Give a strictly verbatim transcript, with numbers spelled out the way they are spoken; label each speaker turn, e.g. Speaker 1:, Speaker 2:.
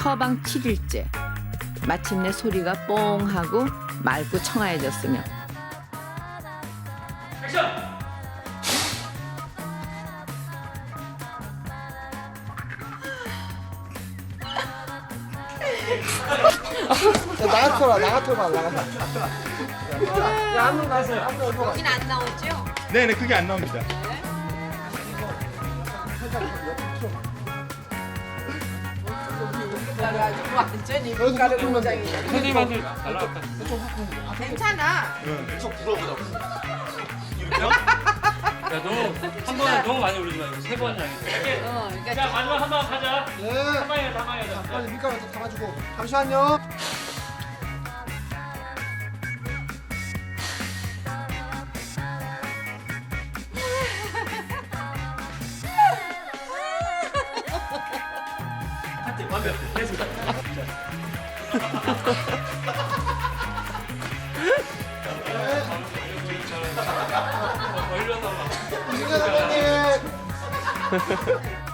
Speaker 1: 처방 칠 일째. 마침내 소리가 뽕 하고 맑고 청아해졌으며
Speaker 2: 액션!
Speaker 3: 나가토라 나가토라 나가토라. 야한번 가세요.
Speaker 4: 여긴 안 나오죠?
Speaker 5: 네네 그게 안 나옵니다.
Speaker 4: 그래가지고 완전히 밀가루 공장이야.
Speaker 2: 선생님한테 달라갔다.
Speaker 4: 괜찮아.
Speaker 5: 계속 불어보자.
Speaker 2: 야, 너 한 번에 너무 많이 올리지 말고 세 번이나 해.
Speaker 4: 어, 그러니까
Speaker 2: 자, 마지막 한 번 가자.
Speaker 3: 네.
Speaker 2: 한 방에 한 방에
Speaker 3: 자,
Speaker 2: 가자.
Speaker 3: 빨리 밀가루 좀 담아주고. 잠시만요.
Speaker 2: 하트 완벽. 됐습니다. 어, 일로 와서 봐.
Speaker 3: 이승현 선생님.